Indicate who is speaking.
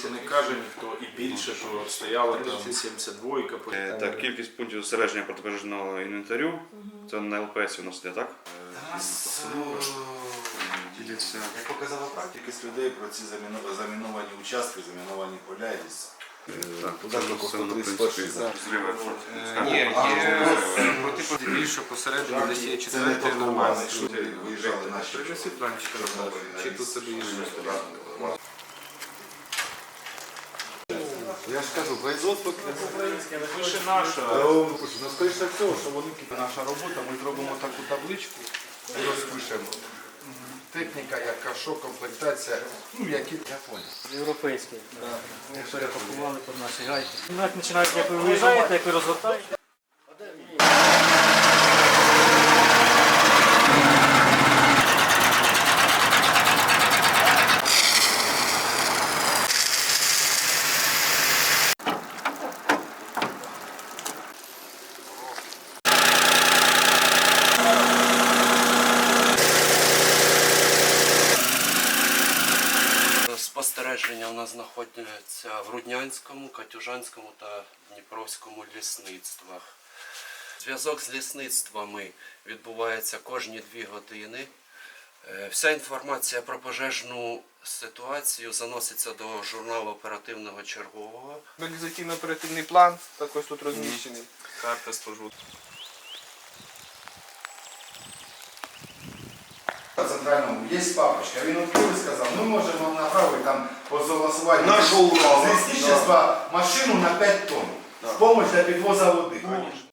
Speaker 1: Якщо не каже ніхто і більше, то стояла там 72
Speaker 2: Так, кількість пунктів зосередження протипожежного інвентарю. Це на ЛПС у нас іде, так?
Speaker 3: Як показала практика, з людей про ці заміновані участки, заміновані поля і ліса.
Speaker 2: Так,
Speaker 3: Туди
Speaker 2: це
Speaker 3: тільки
Speaker 2: все на
Speaker 3: 131
Speaker 2: зриви.
Speaker 4: Ні, є протипожежні більше посередині, десь є
Speaker 3: Це не
Speaker 4: четвертий
Speaker 3: нормально,
Speaker 4: нормальний.
Speaker 3: якщо виїжджали наші.
Speaker 4: Принеси планчик, чи тут тобі є.
Speaker 3: Я ж кажу, производство
Speaker 1: Пише наша.
Speaker 3: Ну, скоріше всього, що вони наша робота, ми зробимо таку табличку і розпишемо. Техніка, яка, що, комплектація, ну, які, я понял.
Speaker 5: Європейський. Ми перепакували під наші гайки. Як починають, як ви виїжджаєте, як ви розгортаєте.
Speaker 6: Спостереження у нас знаходяться в Руднянському, Катюжанському та Дніпровському лісництвах. Зв'язок з лісництвами відбувається кожні 2 години. Вся інформація про пожежну ситуацію заноситься до журналу оперативного чергового.
Speaker 4: Мобілізаційно-оперативний план також тут розміщений.
Speaker 1: Карта спожу.
Speaker 3: Центральному є папочка, він відкрив і сказав, ми можемо направити там по согласуванню
Speaker 2: Нашого
Speaker 3: з лісничества машину на 5 тонн в допомогу для підвозу води.